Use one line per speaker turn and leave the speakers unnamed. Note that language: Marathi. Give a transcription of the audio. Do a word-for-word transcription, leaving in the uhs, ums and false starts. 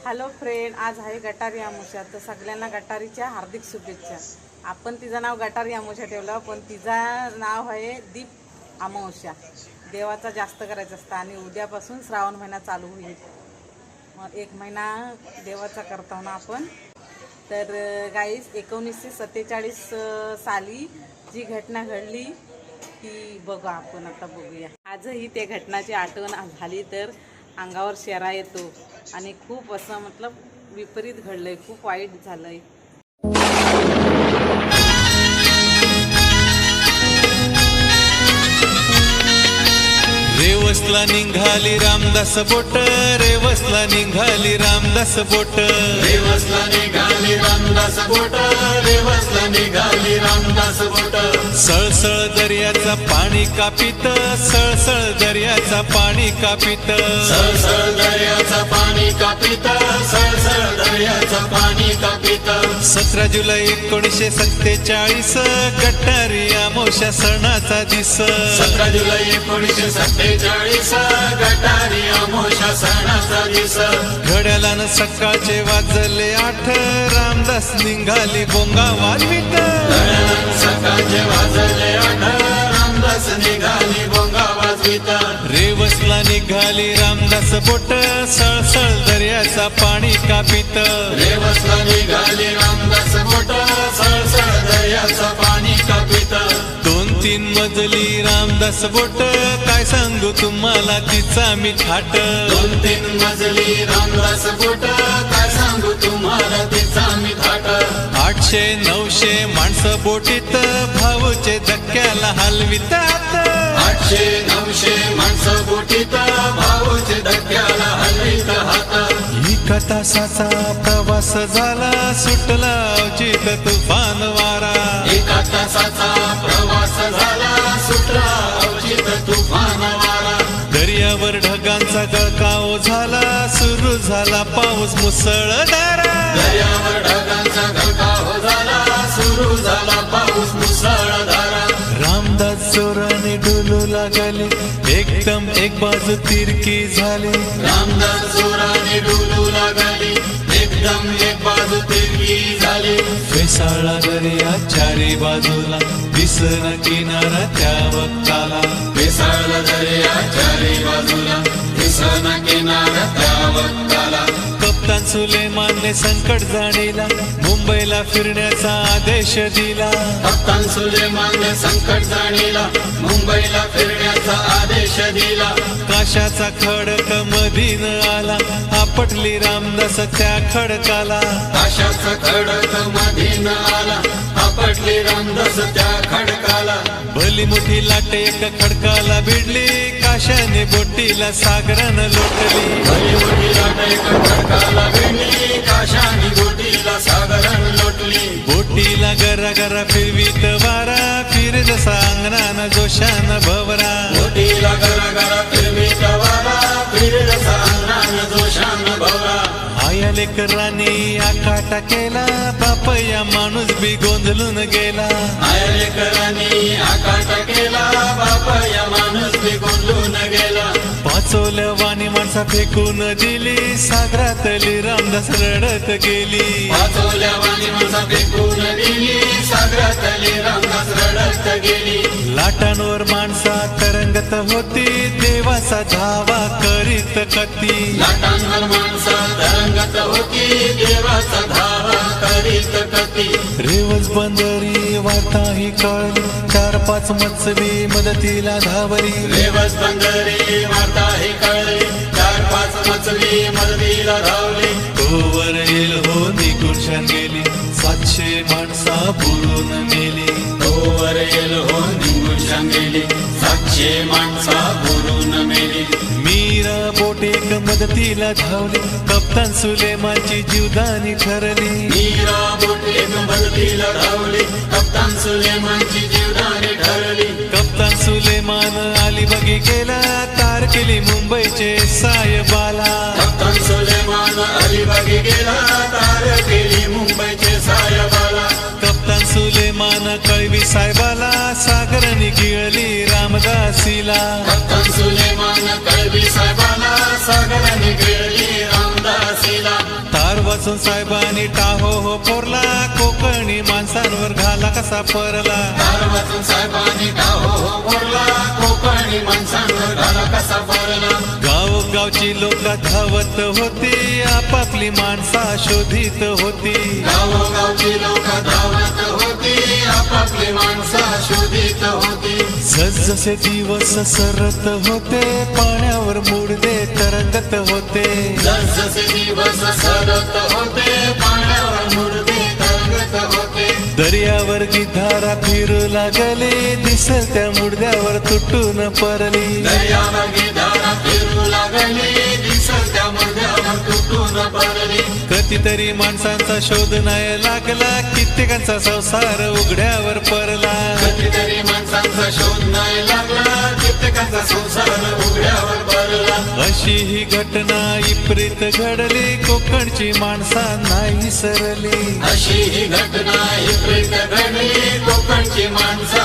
हॅलो फ्रेंड, आज आहे गटारी अमावस्या. तर सगळ्यांना गटारीच्या हार्दिक शुभेच्छा. आपण तिचं नाव गटारी अमावस्या ठेवलं, पण तिचं नाव आहे दीप अमावस्या. देवाचा जास्त करायचं असतं आणि उद्यापासून श्रावण महिना चालू होईल. मग एक महिना देवाचा करतो ना आपण. तर गाईस, एकोणीसशे सत्तेचाळीस साली जी घटना घडली ती बघू आपण आता बघूया. आजही त्या घटनाची आठवण झाली तर अंगावर शेरा येतो आणि खूप असं मतलब विपरीत घडलंय, खूप वाईट झालंय.
रेवसला निघाली रामदास बोट, रेवसला निघाली रामदास बोट,
रेवसला निघाली रामदास बोट, रेवसला निघाली रामदास बोट.
सळसळ दर्याचा पाणी कापित, सळसळ दर्याचा पाणी कापित,
सळसळ दर्याचा पाणी कापित, सळसळ दर्याचा पाणी कापित.
सतरा जुलै एकोणीसशे सत्तेचाळीस गटारी अमावस्या सणाचा दिस.
सतरा जुलै एकोणीसशे सत्तेचाळीस गटारी अमावस्या सणाचा दिस.
घड्याळानं सकाळचे वाजले आठ, रामदास निघाली बोंगा वाजवीत.
सकाळचे वाजले आठ, रामदास निघाली बोंगा वाजवीत.
रेवसला निघाली रामदास बोट, सळसळ दर्याचा पाणी कापित.
रेवसला निघाली रामदास बोट, सळसळ दर्याचा पाणी कापित.
दोन तीन मजली रामदास बोट, काय सांगू तुम्हाला तिचा मी थाट.
दोन तीन मजली रामदास बोट, काय सांगू तुम्हाला तिचा मी थाट.
आठशे नऊशे माणसं बोटीत, भाऊचे धक्क्याला हलवितात.
आठशे नऊशे माणसं बोटीत, भाऊचे धक्क्याला हलवीत हात.
एका तासाचा प्रवास झाला, सुटला अवचित तुफान वारा.
एका तासाचा प्रवास झाला, सुटला अवचित तुफान वारा.
दर्यावर ढगांचा गळकाव झाला, सुरू झाला पाऊस मुसळधारा.
दर्यावर ढगांचा गळकाव झाला, सुरू झाला पाऊस मुसळधारा.
रामदास जोराने डुलू लागले, एकदम एक बाजू तिरकी झाली.
रामदास जोराने डुलू लागली, एकदम एक बाजू तिरकी झाली.
फेसाळला दर्या चारी बाजूला, दिसना किनारा त्या वक्ताला.
फेसाळला दर्या चारी बाजूला, दिसना किनारा त्या वक्ताला.
कप्तान सुलेमानने संकट जाणीला, मुंबईला फिरण्याचा आदेश दिला.
कप्तान सुलेमानने संकट जाणीला, मुंबईला फिरण्याचा आदेश दिला.
काशाचा खडक मधीन आला, आपटली रामदास त्या खडकाला.
काशाचा खडक मधीन आला, आपटली रामदास त्या खडकाला.
भली मोठी लाट एक खडकाला भिडली, काशाने बोटीला सागरानं लोटली.
भली मोठी लाट एक खडकाला भिडली, काशाने बोटीला सागरान लोटली.
बोटीला गरा गरा फिरवीत वारा, फिर जसा अंगणानं जोशानं भवरा.
बोटीला गरा गरा फिरवीत वारा, फिर जसा अंगणानं जोशानं भवरा.
आया लेकरांनी आकाटा केला, बाप या माणूस बी गोंधळून गेला.
आया लेकरांनी आकाट केला, बाप या माणूस बी गोंधळून गेला.
पाचोल्या वाणी माणसा फेकून दिली, सागरातली रामदास रडत गेली.
वाचवल्या वाणी माणसा फेकून दिली, सागरातली रामदास रडत गेली.
लाटांवर माणसा तरंगत होती, देवाचा धावा करीत कती.
लाटांवर माणसा तरंगत होती, देवाचा धावा करीत कती.
रेवस बंदरी वार्ता ही कळली, चार पाच मत्सवी मदतीला धावली.
रेवस बंदरी वार्ता ही कळली, चार पाच मछली मदतीला धावली.
तोवर येल हो निघून शान गेली, सातशे माणसा बुरून मेली.
तोवर येल हो निघून गेली, सातशे माणसा बुरून मेली.
मीरा बोट एक मदतीला धावली, कप्तान सुलेमानची जीवदानी ठरली.
मीरा बोट एक मदतीला धावली, कप्तान सुलेमानची जीवदानी ठरली.
कप्तान सुलेमान अलिबागी गेला, तार केली मुंबईचे सायबाला.
कप्तान सुलेमान अलिबागी गेला, तार केली मुंबईचे सायबाला.
कप्तान सुलेमान कळवी साहेबाला, सागराने गिळली रामदासीला.
कप्तान सुलेमान कळवी साहेबाला, सागराने गिळली रामदासीला.
वाचून साहेबांनी टाहो हो फोरला, कोकणी माणसांवर घाला कसा परला.
दार वाचून साहेबांनी टाहो हो बोलला, कोकणी माणसांवर घाला कसा पडला.
गावगावची लोक धावत होती, आपापली माणसा शोधित होती.
गावोगावची लोक धावत होती, आपापली माणसा शोधित होती.
जसजसे दिवस सरत होते, पाण्यावर मुडदे तरंगत होते.
जसजसे दिवस सरत होते, पाण्यावर मुडदे तरंगत होते.
दर्यावर गिधारा फिरू लागले, दिसल त्या मुडद्यावर तुटून परली.
दर्यावर गिधारा फिरू लागली, दिसल त्या मुडद्यावर तुटून पडली.
कितीतरी माणसांचा शोध नाही लागला, कित्येकांचा संसार उघड्यावर परला.
कितीतरी माणसांचा शोध नाही लागला, कित्येकांचा संसार उघड्यावर पडला.
अशी ही घटना विपरीत घडली, कोकणची माणसा नाही सरली.
अशी ही घटना विपरीत घडली, कोकणची माणसं